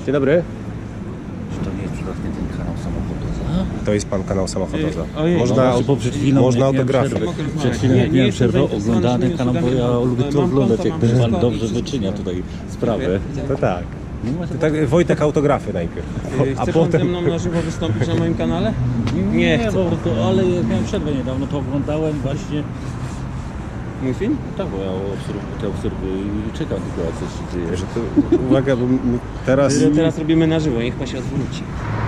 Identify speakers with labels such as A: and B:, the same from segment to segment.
A: Dzień dobry.
B: Czy to nie jest przypadkiem ten kanał samochodowy?
A: To jest pan kanał samochodowy.
C: Ojej.
B: Bo przed chwilą
A: można
B: miałem
A: autografy.
B: przerwę. Przed chwilą jak miałem przerwę, oglądałem ten kanał, bo ja lubię to oglądać, jak pan dobrze wyczynia tutaj sprawę.
A: To tak. To tak Wojtek autografy najpierw.
C: Chce pan ze mną na żywo wystąpić na moim kanale? Nie chcę.
B: ale jak miałem przerwę niedawno, to oglądałem właśnie.
C: Mój film?
B: Tak, bo ja obserwuję i czekam tylko, co się dzieje.
A: Że to, uwaga, bo teraz...
C: Teraz robimy na żywo, niech pan się odwróci.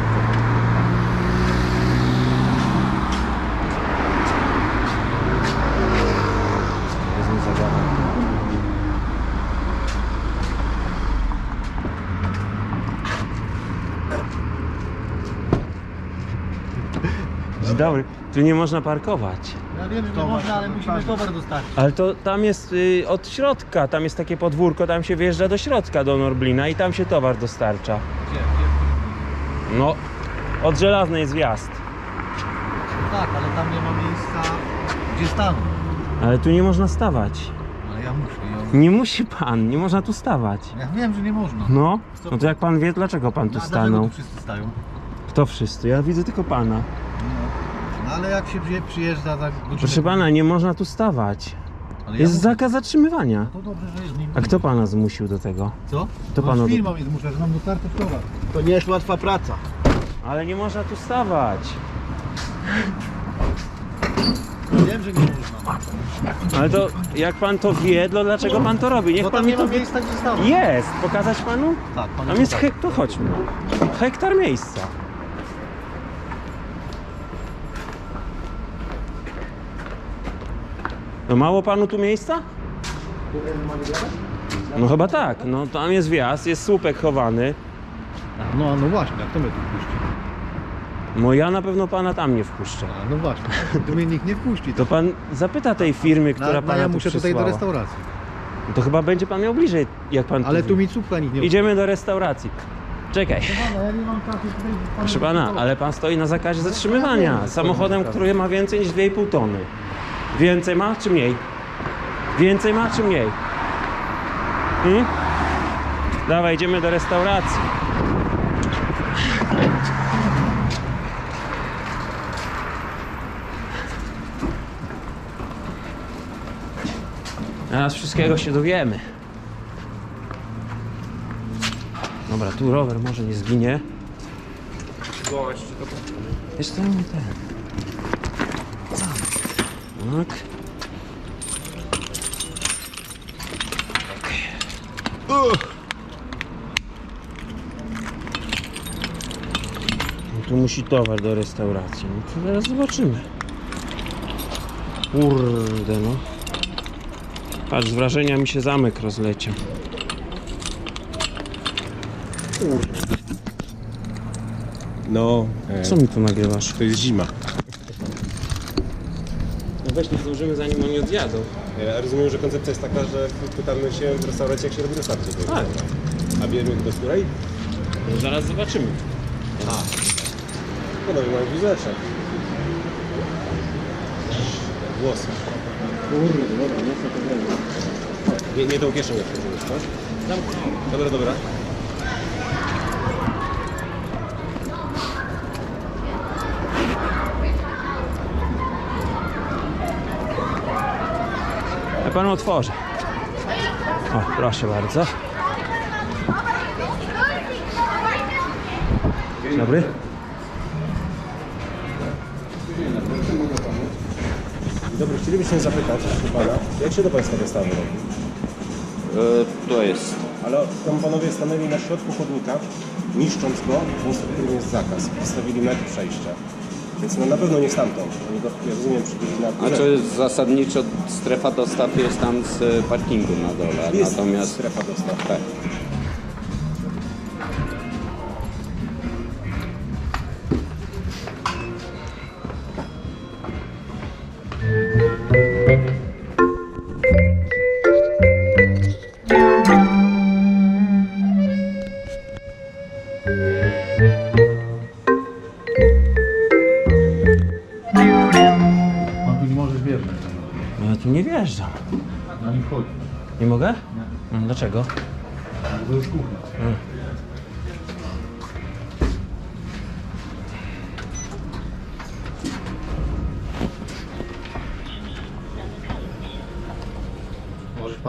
C: Dzień dobry. Tu nie można parkować.
D: Ja wiem, że nie można, ale musimy towar dostarczyć.
C: Ale to tam jest od środka, tam jest takie podwórko, tam się wjeżdża do środka, do Norblina i tam się towar dostarcza.
D: Gdzie?
C: No, od Żelaznej jest wjazd.
D: Tak, ale tam nie ma miejsca, gdzie stanąć.
C: Ale tu nie można stawać.
D: Ale ja muszę.
C: Nie musi pan, nie można tu stawać.
D: Ja wiem, że nie można.
C: No, no to jak pan wie, dlaczego pan tu
D: A dlaczego
C: stanął?
D: tu wszyscy stają?
C: Kto wszyscy? Ja widzę tylko pana.
D: No ale jak się przyjeżdża za godzinę...
C: Proszę pana, nie można tu stawać.
D: Ale
C: Jest
D: mówię,
C: zakaz zatrzymywania.
D: To dobrze, że jest nim.
C: A kto pana zmusił do tego?
D: Co?
C: To
D: No,
C: panu-
D: z firmą jest, muszę, że nam dostarczyć towar. To nie jest łatwa praca.
C: Ale nie można tu stawać.
D: Wiem, że nie można.
C: Ale to jak pan to wie, to dlaczego pan to robi? Niech
D: Bo
C: pan
D: tam
C: mi
D: nie
C: to
D: ma miejsca, gdzie stanąć.
C: Jest! Pokazać panu?
D: Tak, pan
C: Tam jest to chodźmy. Hektar miejsca. No mało panu tu miejsca? No chyba tak, no tam jest wjazd, jest słupek chowany.
D: No właśnie, jak to mnie tu wpuści?
C: No ja na pewno pana tam nie wpuszczę.
D: A, no właśnie, tu mnie nikt nie wpuści.
C: To pan zapyta tej firmy, która pana
D: ja
C: tu
D: muszę tutaj
C: przysłała.
D: do restauracji.
C: To chyba będzie pan miał bliżej, jak pan
D: Ale
C: tu
D: tu mi cupka nikt nie
C: Idziemy do restauracji. Czekaj.
D: Pana, ja nie mam czasu tutaj...
C: Proszę pana, ale pan stoi na zakazie zatrzymywania. Samochodem, który ma więcej niż 2,5 tony. Więcej ma czy mniej? Więcej ma czy mniej? Dawaj, idziemy do restauracji. Teraz wszystkiego się dowiemy. Dobra, tu rower może nie zginie. Jest to ten. Tak. No tu musi towar do restauracji. No to zaraz zobaczymy. Kurde no. Patrz, z wrażenia mi się zamek rozleciał.
A: No,
C: Co mi tu nagrywasz?
A: to jest zima.
C: No weź, nie zdążymy zanim oni odjadą.
A: Ja rozumiem, że koncepcja jest taka, że pytamy się w restauracji, jak się robi dostarcie.
C: Tak.
A: A wiemy do której?
C: No zaraz zobaczymy.
A: Panowie mają wizeczek. Włosy.
C: Kurde, dobra, nie chcę to zrobić.
A: Nie tą kieszenię wchodziłeś, tak? Dobra, dobra.
C: Ja panu otworzę. O, proszę bardzo. Dzień dobry.
A: Dobry, chcielibyśmy zapytać pana, jak się do państwa dostawy robi?
B: To jest.
A: Ale tam panowie stanęli na środku chodnika, niszcząc go, w miejscu, w którym jest zakaz. Postawili metr przejścia. Więc no na pewno nie stamtąd. Oni go, ja rozumiem, przybili na górę.
E: A to jest zasadniczo strefa dostaw jest tam z parkingu na dole,
A: Jest
E: natomiast
A: strefa dostaw.
E: tak.
D: Pan tu nie może wjeżdżać.
C: No ja tu nie wjeżdżam.
D: Na nim chodzi.
C: Nie mogę? Dlaczego?
D: To jest kuchnia.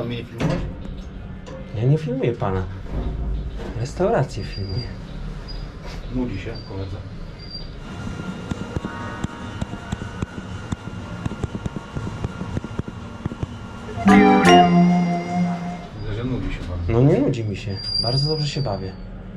D: mnie nie filmować?
C: Ja nie filmuję pana. Restaurację filmuję.
B: Nudzi się koledze. Widzę, że nudzi się bardzo.
C: No nie nudzi mi się. Bardzo dobrze się bawię.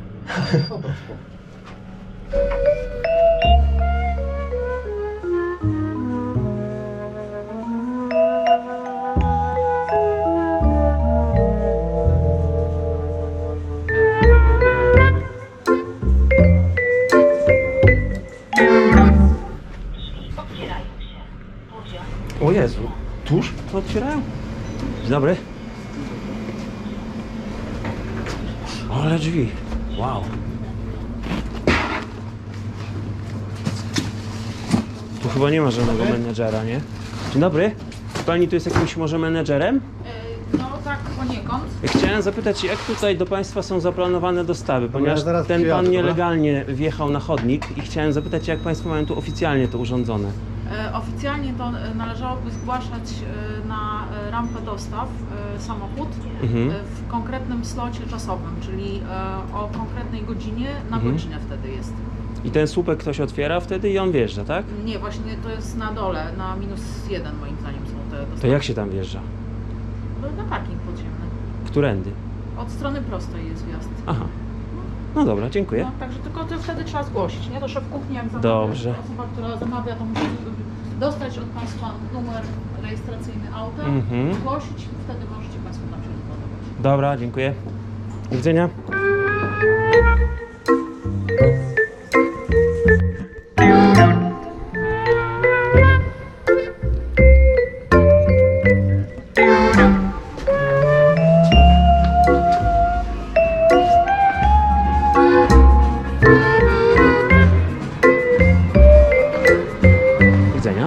F: Otwierają się. Poziom.
C: O Jezu. Tuż to otwierają? Dzień dobry. Ale drzwi. Wow. Tu chyba nie ma żadnego menedżera, nie? Dzień dobry. Pani tu jest jakimś może menedżerem?
G: No tak, poniekąd.
C: Chciałem zapytać, jak tutaj do Państwa są zaplanowane dostawy, ponieważ
D: ja zaraz
C: ten
D: przyjadę,
C: pan
D: dobra?
C: nielegalnie wjechał na chodnik i chciałem zapytać, jak Państwo mają tu oficjalnie to urządzone.
G: Oficjalnie to należałoby zgłaszać na rampę dostaw samochód w konkretnym slocie czasowym, czyli o konkretnej godzinie na godzinę wtedy jest.
C: I ten słupek ktoś otwiera wtedy i on wjeżdża, tak?
G: Nie, właśnie to jest na dole, na -1 moim zdaniem są te dostawy.
C: To jak się tam wjeżdża?
G: Na parking podziemny.
C: Którędy?
G: Od strony prostej jest wjazd.
C: Aha. No dobra, dziękuję.
G: No, także tylko to wtedy trzeba zgłosić, nie? To szef kuchni jak zamawia,
C: Dobrze.
G: osoba, która zamawia, to musi dostać od Państwa numer rejestracyjny auta, zgłosić i wtedy możecie Państwo tam się rozładować.
C: Dobra, dziękuję. Do widzenia. Do widzenia.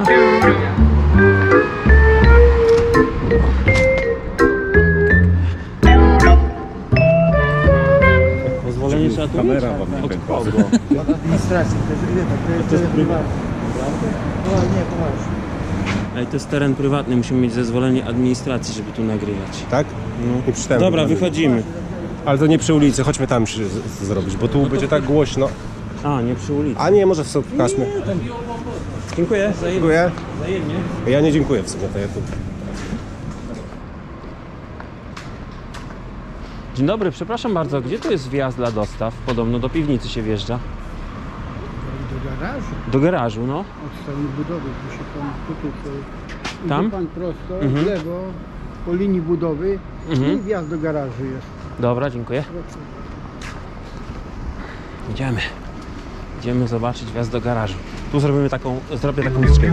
C: Pozwolenie trzeba tu
A: Kamera
C: mieć?
A: wam nie
C: Od
A: pękła.
C: kogo?
D: Od administracji, to jest prywatne. No nie, poważnie.
C: Ej, to jest teren prywatny, musimy mieć zezwolenie administracji, żeby tu nagrywać.
A: Tak?
C: No.
A: Nie przeczytałem
C: Dobra,
A: tego.
C: wychodzimy.
A: Ale to nie przy ulicy, chodźmy tam zrobić, bo tu będzie tak głośno.
C: A, nie przy ulicy.
A: A nie, może w sobie pokażmy.
C: Dziękuję, wzajemnie.
A: Dziękuję.
C: Wzajemnie.
A: Ja nie dziękuję w sumie, to ja tu.
C: Dzień dobry, przepraszam bardzo, gdzie tu jest wjazd dla dostaw? Podobno do piwnicy się wjeżdża.
H: Do garażu,
C: Do garażu, no.
H: od strony budowy, tu się pan tutaj
C: Tam?
H: idzie pan prosto, w lewo, po linii budowy i wjazd do garażu jest.
C: Dobra, dziękuję. Idziemy. Idziemy zobaczyć wjazd do garażu. Tu zrobię taką muzyczkę.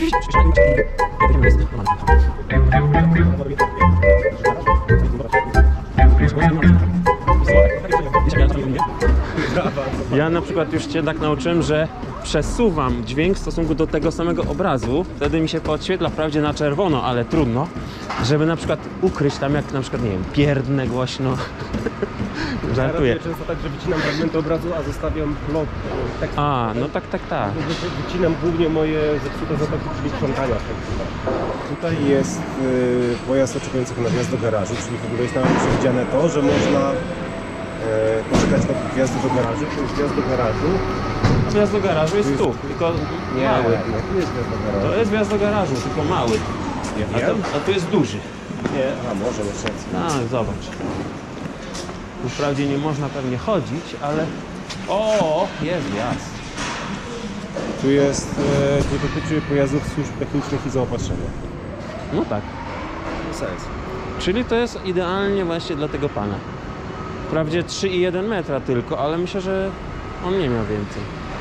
C: Ja na przykład już Cię tak nauczyłem, że przesuwam dźwięk w stosunku do tego samego obrazu, wtedy mi się podświetla wprawdzie na czerwono, ale trudno, żeby na przykład ukryć tam jak na przykład, nie wiem, pierdnę głośno. Żartuję.
A: Często tak, że wycinam fragmenty obrazu, a zostawiam blok tekstu.
C: A, no tak.
A: Wycinam głównie moje zepsute zapachy, czyli sprzątania. Tutaj jest pojazd oczekujących na wjazd do garażu, czyli w ogóle jest nawet przewidziane to, że można poczekać na wjazd do garażu, to jest wjazd do garażu.
C: A wjazd do garażu jest tu, tylko mały.
A: tu jest wjazd do garażu.
C: To jest wjazd do garażu, tylko mały. A tu jest duży.
A: Nie, a może masz rację.
C: Tak, zobacz. Tu wprawdzie nie można pewnie chodzić, ale... O, jest wjazd.
A: Tu jest, tu dotyczy pojazdów służb technicznych i zaopatrzenia.
C: No tak.
A: Sens.
C: Czyli to jest idealnie właśnie dla tego pana. Wprawdzie 3,1 metra tylko, ale myślę, że on nie miał więcej.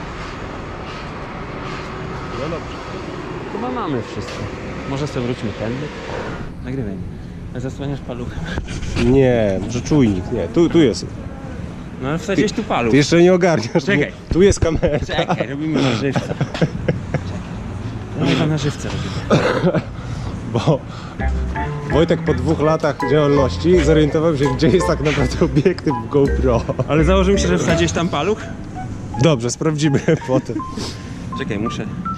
A: No dobrze.
C: Chyba mamy wszystko. Może sobie wróćmy tędy. Nagrywaj. Zasłaniasz paluchem.
A: Nie, może czujnik, nie, tu jest.
C: No ale wsadziłeś tu paluch.
A: Ty jeszcze nie ogarniasz.
C: Czekaj.
A: Nie, tu jest kamera.
C: Czekaj, robimy na żywca. Czekaj. No chyba na żywca robimy.
A: Bo Wojtek po 2 latach działalności zorientował się, gdzie jest tak naprawdę obiektyw GoPro.
C: Ale założył się, że wsadziłeś tam paluch?
A: Dobrze, sprawdzimy potem.
C: Czekaj, muszę